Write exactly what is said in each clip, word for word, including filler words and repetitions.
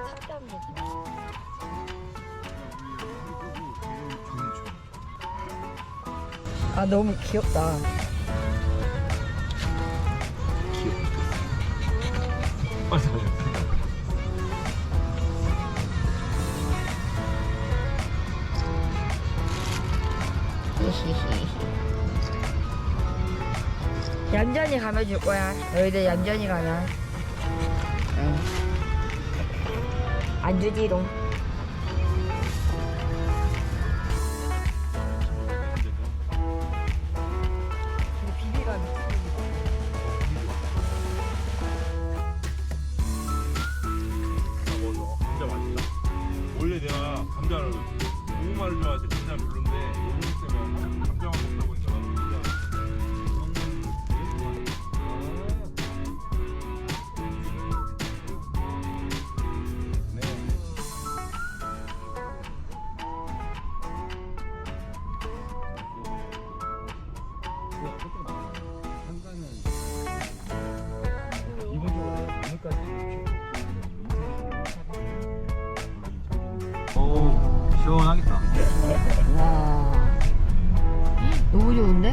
탑답니다. 아 너무 귀엽다. 맞아 맞아. 얌전히 가면 줄 거야. 너희들 얌전히 가면. 응. 안 주지롱. 비비가 진짜 맛있다. 원래 내가 감자를 고구마를 좋아해서 감자 별론데 너무 세면 감자만 먹다 보니까 오, 시원하겠다. 와. 너무 좋은데?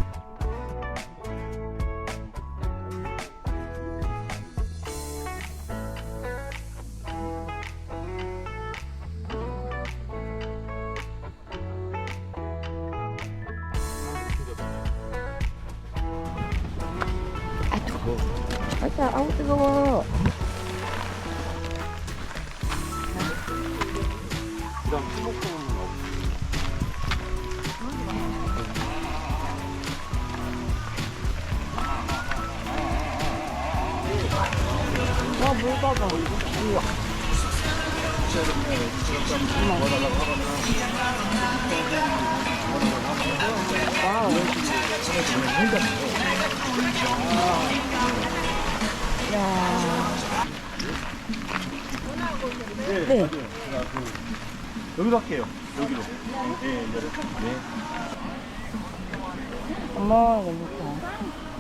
아 뜨거워. 아따 아우 뜨거워. 그다음 수목공은 와, 물 봐봐. 우와. 와우. 야. 네. 네. 맞아요. 제가 그 여기로 할게요. 여기로. 네, 네. 네. 엄마 너무 좋다.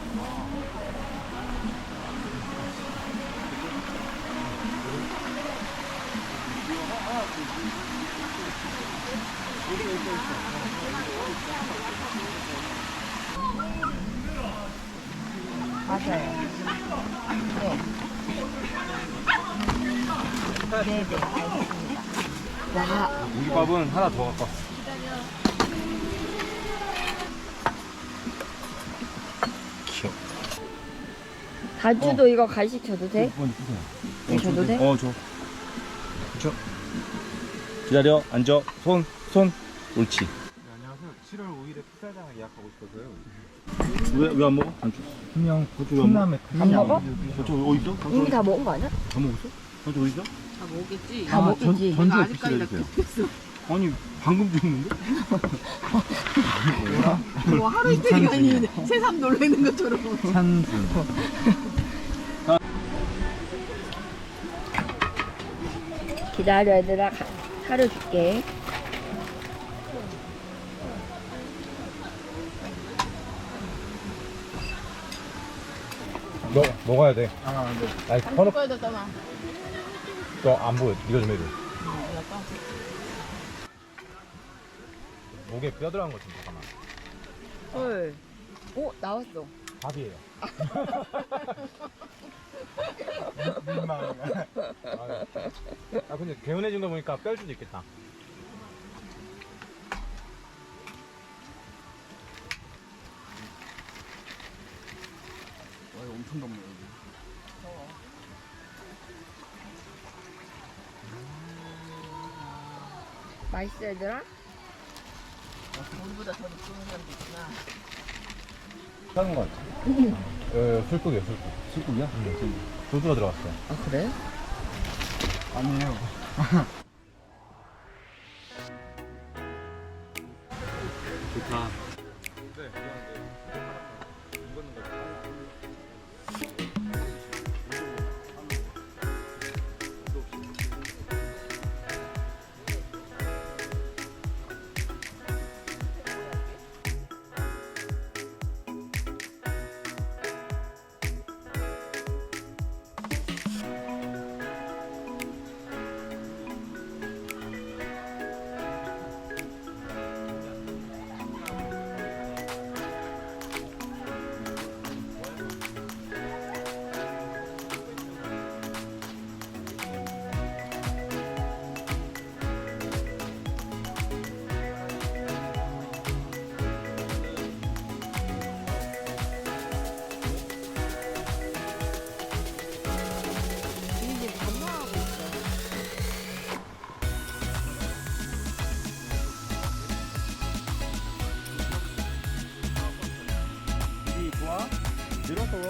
맞아요. 네. 네, 네, 알겠습니다. 와, 고기밥은 하나 더 갖고 왔어. 귀여워. 다주도 이거 간식 줘도 돼? 먼저 주세요. 네, 줘도 돼? 어, 줘. 줘. 기다려. 앉아. 손, 손. 옳지. 네, 안녕하세요. 칠월 오일에 풋살장을 예약하고 싶어서요. 왜, 왜 안 먹어? 안 줘. 그냥 고추 안 콩나물 안 먹어? 저 어디 있어? 이미 다 먹은 거 아니야? 다 먹었어? 저 어디 있어? 다 먹겠지. 다 먹겠지. 전, 전주에 아직까지 나 비치해주세요. 급했어. 아니, 방금 줬는데? 뭐 하루 이틀이 아니면 새삼 놀래는 것처럼. 찬순. 기다려 얘들아. 가- 사료 줄게. 너 먹어야 돼. 아, 네. 아니, 안 헌업, 먹어야 되잖아. 너안 보여. 네가 좀 해줘. 약간 목에 뼈 들어간 거 좀 잠깐만. 헐. 오 나왔어. 밥이에요. 민망. 아, 근데 개운해진 거 보니까 뺄 수도 있겠다. 와, 이거 엄청 덥네, 여기. 맛있어 얘들아? 우리보다 더 느끼는 사람도 있구나. 작은 거 같아. 어, 술국이에요, 술국. 술국이야? 응. 소주가 들어갔어. 아 그래? 아니에요. 좋다.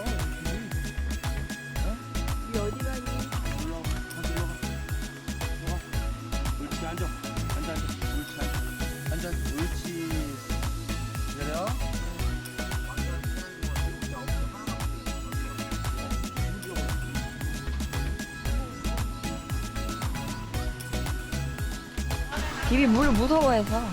이 어디 가니? 올라가 다시 올라가 올라가 옳지 앉아 앉아 앉아 옳지 앉아 앉아 옳지 기다려 비비 물 무서워해서.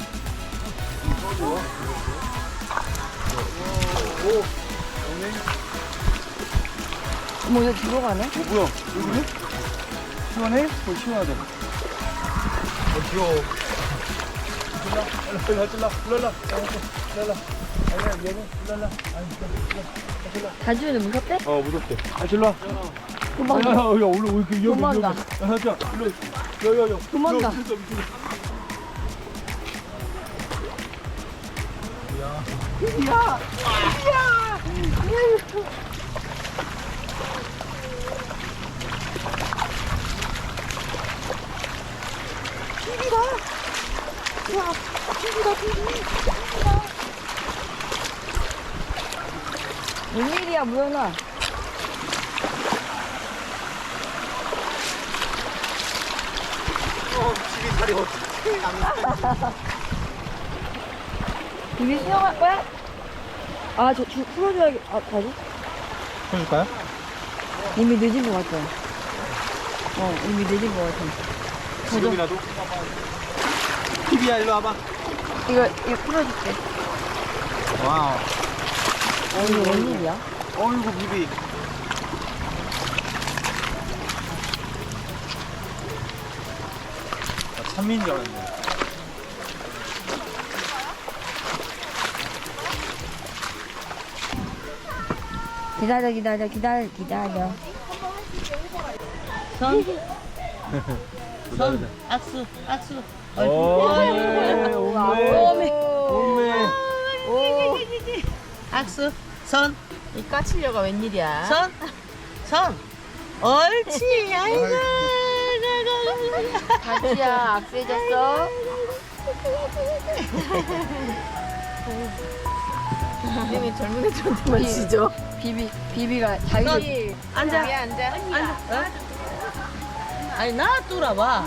어머, 이거 뒤로 가네? 어 뭐야 여기네? 시원해? 어 시원하다 어 귀여워 일로 일로 일로 일로 일로 일로 아니야 얘는 일로 일로 아니 다주는 무섭대? 어 무섭대 아 일로 와 도망가. 야, 야, 올라 올라 그 위험해 도망가. 위험해. 야, 자, 일로 야야야 도망가. 야! 웬일이야, 무연아. 어 집이 다리 어떻게 비비 수영할 거야? 아, 저, 주, 풀어줘야겠, 아, 다시? 해줄까요? 이미 늦은 것 같아. 어, 이미 늦은 것 같아. 가자. 지금이라도? 티비야 일로 와봐 이거, 이거 풀어줄게. 와우 어, 이거 웬일이야? 어이구 비비 나 찬미인 줄 알았네 기다려, 기다려, 기다려, 기다려. 손, 손, 악수, 악수. 오메 오메 오메 악수, 손. 이 까치려가 웬일이야? 손, 손. 옳지, 아이고. 다주야, 악수해줬어? 이름이 젊은 애들한테만 지죠? 비비, 비비가 자기 앉아, 위에 앉아. 앉아. 어? 아니, 나 뚫어봐.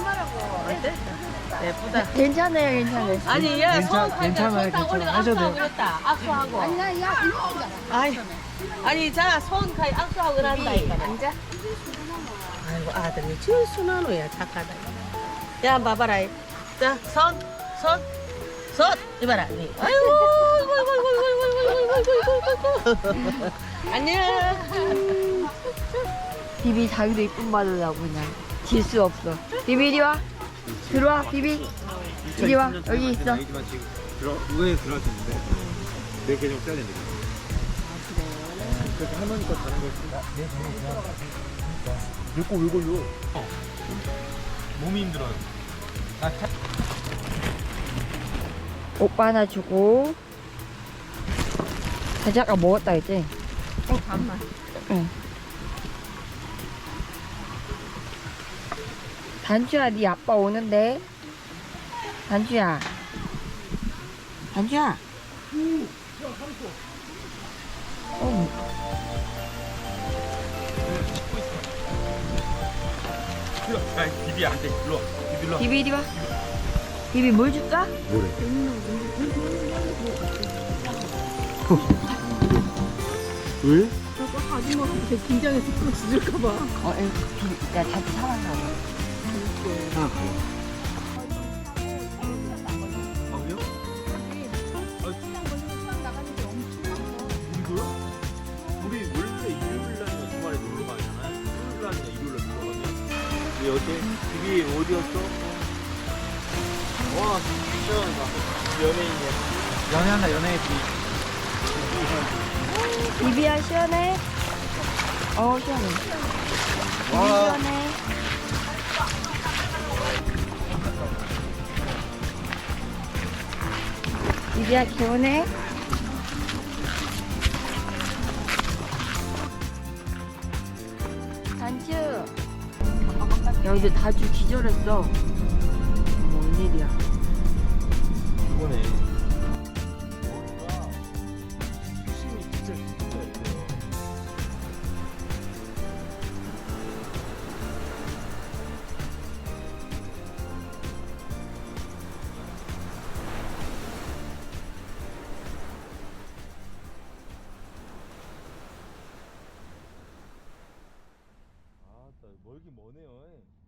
예쁘다. 괜찮아요, 괜찮아요. 아니, 얘 손, 괜찮아요, 손딱 올리고 괜찮아요. 하셔도 악수하고 그랬다. 악수하고. 아니, 아니, 자, 손 가이 악수하고 그런다니까. 앉아. 아이고, 아들이 제일 순한 애야, 착하다. 야, 봐봐라. 자, 손, 손, 손. 이봐라. 니. 아이고, 아이고, 아이고, 아이고, 아이고, 아이고, 아이고, 아이고, 아이고. 안녕. 비비 자기도 이쁨 받으려고 그냥 질 수 없어. 비비 이리 와. 들어와, 비비. 이리 와, 여기 있어. 나이지만 지금 들어 누구에 들어왔는데 내 계정 써야 된대. 그래서 할머니 거 다른 거 있어. 내거 왜 걸려? 몸이 힘들어요. 나 차... 오빠 하나 주고. 다시 아까 먹었다 했지? 어, 반만. 응. 단추야, 네 아빠 오는데. 단추야. 단추야. 어, 일로 와. 야 비비 앉아 일로 와 비비 일로 와 비비 이리 와. 비비 뭘 줄까? 뭐래? 왜? 저거 아줌마가 되게 긴장해서 그거 지질까봐. 어, 에, 비비, 야, 자주 사랑하네. 하나 가요. 아 그래요? 우리도요? 우리 원래 일요일날이나 주말에 놀러 가잖아요. 일요일날이나 일요일날 놀러 가면 우리 어제 비비 어디였어? 와 시원하다 연예인이야 연애한다 연애했지. 비비야, 시원해? 어, 시원해. 비비 와. 시원해. 비비야, 개운해? 단추. 야, 이제 다주 기절했어. 어머, 웬일이야. 이거네. 힘이 진짜 진짜 있어요. 멀긴 머네요.